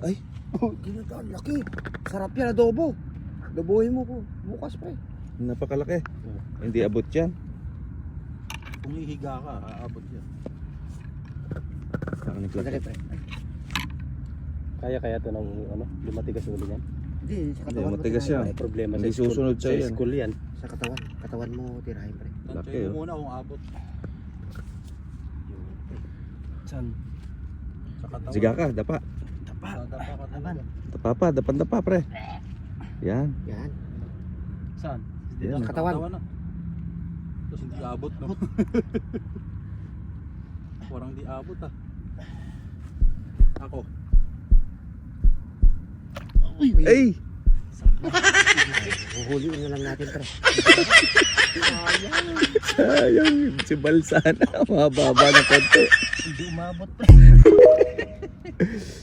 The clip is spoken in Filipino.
Ay. Ginagawa, laki. Sarap yan, adobo. Adobohin mo ko. Bukas pre. Napakalaki. Hindi abot yan. Kung ihiga ka, aabot yan. Parang Laki naglalaki. pre. Kaya to ng ano, lumatigas ulo niyan. Hindi, sa Hindi, katawan mo matigas tirahin, yan. May problema Hindi sa school. susunod sa'yo Sa yan. school yan. pre. Sa katawan. Katawan mo tirahin pre. Laki, Tansyahin oh. mo muna kung abot. Saan? Sa katawan. Siga ka, dapa. Dadapa ka talaga. Dapa pa, dapan-dapa pre. Yan. Yan. Saan? Yan. Sa katawan. Na. Tapos hindi abot, no? Parang di abot, ah. Ako. Ay! Huhuliin na lang natin pre. Sayang. Si Balsana. Mababa na konti. Hindi umabot pre.